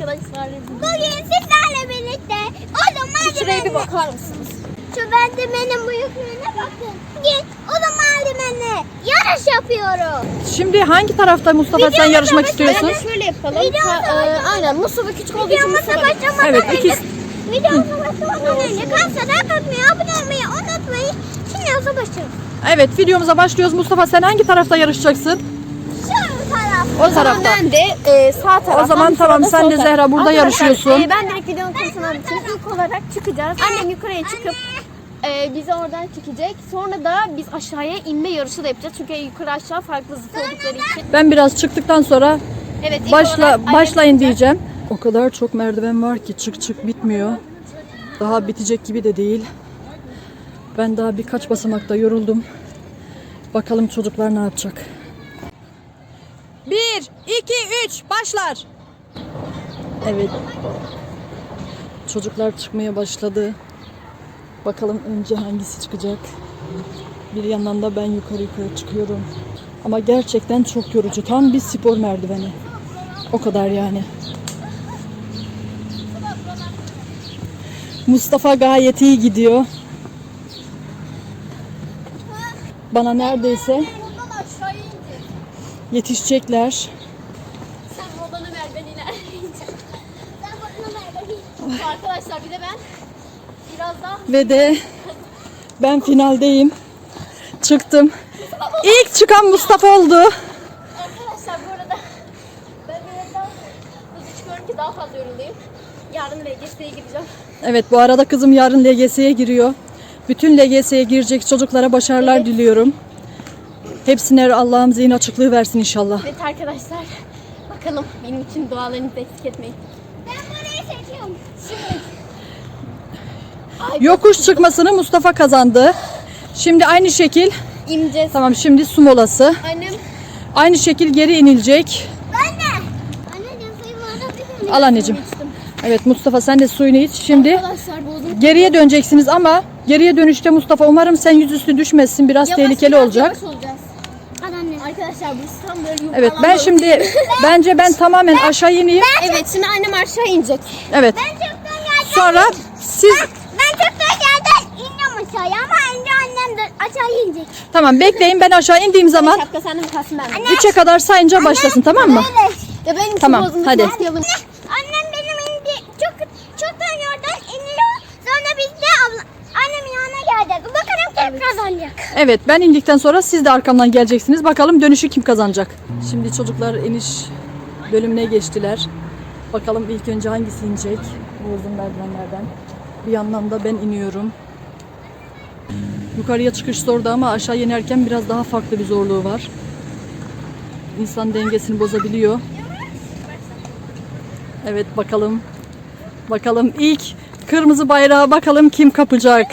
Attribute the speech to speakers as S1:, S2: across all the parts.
S1: arkadaşlar.
S2: Bugün sizlerle birlikte o malzemenin...
S1: Şuraya bir bakar mısınız?
S2: Şu bendemenin büyüklüğüne bakın. Bugün o malzemenin yarış yapıyoruz.
S3: Şimdi hangi tarafta Mustafa sen yarışmak istiyorsun?
S1: Bence şöyle yapalım. Aynen Mustafa küçük olduğu için
S2: Videomuza
S1: Mustafa.
S2: başlamadan
S3: Evet,
S2: önce...
S3: ikisi.
S2: Videomuza başlamadan önce kanala abone olmayı unutmayın. Şimdi yoza başlayalım.
S3: Evet, videomuza başlıyoruz. Mustafa sen hangi tarafta yarışacaksın?
S2: Şu taraf.
S3: O tarafta.
S1: Ben de sağ taraftan.
S3: O zaman tamam, sen de Zehra burada yarışıyorsun.
S1: Ben direkt videonun konusunu anlatayım. İlk olarak çıkacağız. Annem yukarıya çıkıp bizi oradan çekecek. Sonra da biz aşağıya inme yarışı da yapacağız. Çünkü yukarı aşağı farklı zıt oldukları için.
S3: Ben biraz çıktıktan sonra
S1: Evet, ilk olarak
S3: başlayın
S1: annem
S3: diyeceğim. O kadar çok merdiven var ki çık bitmiyor. Daha bitecek gibi de değil. Ben daha birkaç basamakta yoruldum. Bakalım çocuklar ne yapacak. 1, 2, 3 başlar. Evet. Çocuklar çıkmaya başladı. Bakalım önce hangisi çıkacak. Bir yandan da ben yukarı çıkıyorum. Ama gerçekten çok yorucu. Tam bir spor merdiveni. O kadar yani. Mustafa gayet iyi gidiyor. Bana neredeyse yetişecekler.
S1: Sen babanı ver, ben ilerleyeceğim. Arkadaşlar bir de ben biraz daha
S3: Ve de ben finaldeyim. Çıktım. İlk çıkan Mustafa oldu.
S1: arkadaşlar bu arada ben biraz daha hızlı çıkıyorum ki daha fazla yorulayım. Yarın LGS'ye gideceğim.
S3: Evet, bu arada kızım yarın LGS'ye giriyor. Bütün LGS'ye girecek çocuklara başarılar diliyorum. Hepsine Allah'ım zihin açıklığı versin inşallah.
S1: Evet arkadaşlar bakalım benim için dualarınızı eksik etmeyin.
S2: Ben burayı seçiyorum.
S3: Yokuş çıkmasını Mustafa kazandı. Şimdi aynı şekil,
S1: İneceğiz.
S3: tamam şimdi su molası.
S1: Annem
S3: Aynı şekil geri inilecek.
S2: Anne. Anneciğim suyumu alabilir miyim?
S3: Al anneciğim. Evet Mustafa sen de suyunu iç. Şimdi
S1: arkadaşlar bozdum.
S3: geriye döneceksiniz ama geriye dönüşte Mustafa umarım sen yüzüstü düşmezsin. Biraz tehlikeli olacak.
S1: Yavaş olacağız.
S2: Al anne.
S1: Arkadaşlar bu tam böyle yuvarlanıyor.
S3: Evet ben şimdi bence ben tamamen aşağı ineyim.
S1: Evet şimdi annem aşağı inecek.
S3: Evet.
S2: Ben çoktan yerden...
S3: Sonra siz
S2: Ben çoktan yerden iniyorum aşağıya ama önce annem de aşağı inecek.
S3: tamam bekleyin, ben aşağı indiğim zaman
S1: Şapka sende mi kalsın ben mi?
S3: 3'e kadar sayınca başlasın, tamam mı?
S2: Evet.
S1: Ya benim
S3: Tamam,
S1: bozulmuş,
S3: hadi.
S1: başlayalım.
S2: Annem benim çoktan yerden iniyor. Sonra biz de annemin yanına geldik. Bakalım kim kazanacak.
S3: Evet ben indikten sonra siz de arkamdan geleceksiniz. Bakalım dönüşü kim kazanacak? Şimdi çocuklar iniş bölümüne geçtiler. Bakalım ilk önce hangisi inecek bu uzun merdivenlerden. Bir yandan da ben iniyorum. Yukarıya çıkış zordu ama aşağı inerken biraz daha farklı bir zorluğu var. İnsan dengesini bozabiliyor. Evet bakalım. Bakalım ilk kırmızı bayrağı bakalım kim kapacak.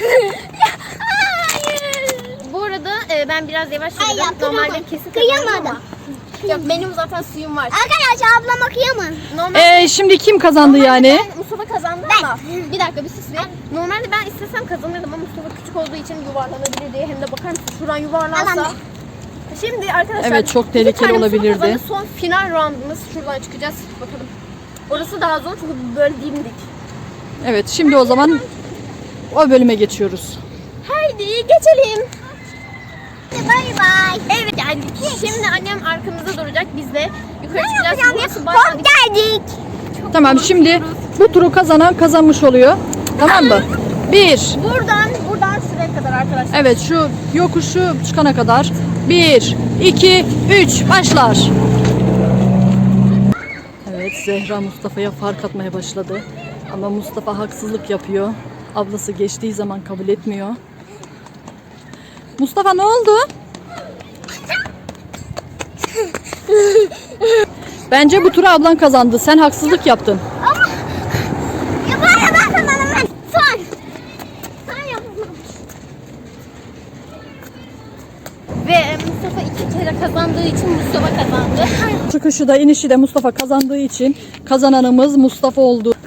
S1: Bu arada ben biraz yavaş
S2: Ay,
S1: yürüdüm.
S2: yaptım
S1: Normalde
S2: ama
S1: kesin
S2: kıyamadım.
S1: kazanırım ama. Yok benim zaten suyum var.
S2: Arkadaşlar ablama kıyamam.
S1: Normalde
S3: Şimdi kim kazandı yani?
S1: ben Mustafa kazandı ama bir dakika bir sus be. Normalde ben istesem kazanırdım ama Mustafa küçük olduğu için yuvarlanabilir diye, hem de bakar mısın şuradan yuvarlansa.
S2: Al anne.
S1: Şimdi arkadaşlar
S3: Evet, çok
S1: iki
S3: tehlikeli
S1: tane Mustafa
S3: olabilirdi.
S1: kazandı. Son final roundumuz, şuradan çıkacağız bakalım. Orası daha zor çünkü böyle dimdik.
S3: Evet şimdi o zaman o bölüme geçiyoruz.
S1: Haydi geçelim.
S2: Bay bay.
S1: Evet geldik. Şimdi annem arkamızda duracak, biz de yukarı
S2: Ben
S1: çıkacağız.
S2: yapacağım ya.
S1: Burası bayağı
S2: Hop geldik.
S3: Tamam şimdi bu turu kazanan kazanmış oluyor. Tamam mı? 1.
S1: buradan şuraya kadar arkadaşlar.
S3: Evet şu yokuşu çıkana kadar. 1, 2, 3 başlar. Evet Zehra Mustafa'ya fark atmaya başladı. Ama Mustafa haksızlık yapıyor. Ablası geçtiği zaman kabul etmiyor. Mustafa ne oldu? Bence bu turu ablan kazandı. Sen haksızlık yaptın.
S2: Ya bana ben kazanım ben. Son. Son yapalım.
S1: Ve Mustafa 2 kere kazandığı için Mustafa kazandı.
S3: Çıkışı da inişi de Mustafa kazandığı için kazananımız Mustafa oldu.